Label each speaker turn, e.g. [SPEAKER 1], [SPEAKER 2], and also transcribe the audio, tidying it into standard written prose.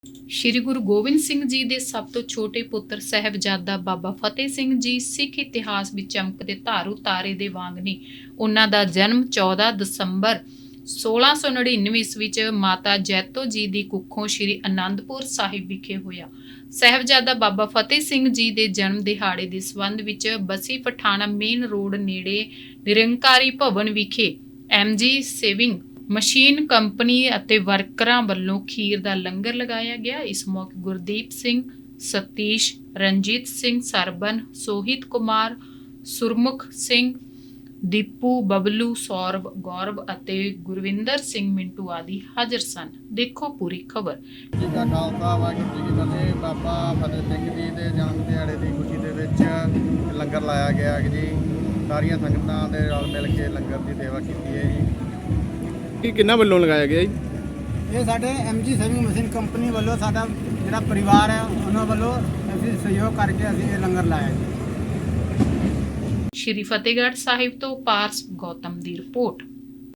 [SPEAKER 1] ਸ਼੍ਰੀ ਗੁਰੂ ਗੋਬਿੰਦ ਸਿੰਘ ਜੀ ਦੇ ਸਭ ਤੋਂ ਛੋਟੇ ਪੁੱਤਰ ਸਾਹਿਬਜ਼ਾਦਾ ਬਾਬਾ ਫਤਿਹ ਸਿੰਘ ਜੀ ਸਿੱਖ ਇਤਿਹਾਸ ਵਿੱਚ ਚਮਕਦੇ ਧਾਰੂ ਤਾਰੇ ਦੇ ਵਾਂਗ ਨੇ। ਉਹਨਾਂ ਦਾ ਜਨਮ 14 ਦਸੰਬਰ 1699 ਈਸਵੀ ਚ ਮਾਤਾ ਜੈਤੋ ਜੀ ਦੀ ਕੁੱਖੋਂ ਸ਼੍ਰੀ ਅਨੰਦਪੁਰ ਸਾਹਿਬ ਵਿਖੇ ਹੋਇਆ। ਸਾਹਿਬਜ਼ਾਦਾ ਬਾਬਾ ਫਤਿਹ ਸਿੰਘ ਜੀ ਦੇ ਜਨਮ ਦਿਹਾੜੇ ਦੇ ਸੰਬੰਧ ਵਿੱਚ ਬਸੀ ਪਠਾਣਾ ਮੇਨ ਰੋਡ ਨੇੜੇ ਨਿਰੰਕਾਰੀ ਭਵਨ ਵਿਖੇ MG ਸੇਵਿੰਗ ਮਸ਼ੀਨ ਕੰਪਨੀ ਅਤੇ ਵਰਕਰਾਂ ਵੱਲੋਂ ਖੀਰ ਦਾ ਲੰਗਰ ਲਗਾਇਆ ਗਿਆ। ਇਸ ਮੌਕੇ ਗੁਰਦੀਪ ਸਿੰਘ, ਸਤੀਸ਼, ਰਣਜੀਤ ਸਿੰਘ ਸਰਬਨ, ਸੋਹਿਤ ਕੁਮਾਰ, ਸੁਰਮੁਖ ਸਿੰਘ, ਦੀਪੂ, ਬਬਲੂ, ਸੌਰਵ, ਗੌਰਵ ਅਤੇ ਗੁਰਵਿੰਦਰ ਸਿੰਘ ਮਿੰਟੂ ਆਦਿ ਹਾਜ਼ਰ ਸਨ। ਦੇਖੋ ਪੂਰੀ ਖਬਰ।
[SPEAKER 2] ਜੀ ਦਾ ਖਾਲਸਾ ਵਾਹਿਗੁਰੂ ਜੀ ਕੀ ਫਤਿਹ। ਬਾਬਾ ਫਤਿਹ ਸਿੰਘ ਜੀ ਦੇ ਜਨਮ ਦਿਹਾੜੇ ਦੀ ਖੁਸ਼ੀ ਦੇ ਵਿੱਚ ਲੰਗਰ ਲਾਇਆ ਗਿਆ ਹੈ ਜੀ। ਸਾਰੀਆਂ ਸੰਗਤਾਂ ਦੇ ਨਾਲ ਮਿਲ ਕੇ ਲੰਗਰ ਦੀ ਸੇਵਾ ਕੀਤੀ ਹੈ ਜੀ।
[SPEAKER 3] ਇਹ ਕਿੰਨਾ ਵੱਲੋਂ ਲਗਾਇਆ ਗਿਆ ਜੀ?
[SPEAKER 4] ਇਹ ਸਾਡੇ MG ਸੇਵਿੰਗ ਮਸ਼ੀਨ ਕੰਪਨੀ ਵੱਲੋਂ ਸਾਡਾ ਜਿਹੜਾ ਪਰਿਵਾਰ ਹੈ ਉਹਨਾਂ ਵੱਲੋਂ ਅਸੀਂ ਸਹਿਯੋਗ ਕਰਕੇ ਅਸੀਂ ਇਹ ਲੰਗਰ ਲਾਇਆ ਜੀ।
[SPEAKER 1] ਸ਼੍ਰੀ ਫਤਿਹਗੜ੍ਹ ਸਾਹਿਬ ਤੋਂ ਪਾਰਸ ਗੌਤਮ ਦੀ ਰਿਪੋਰਟ।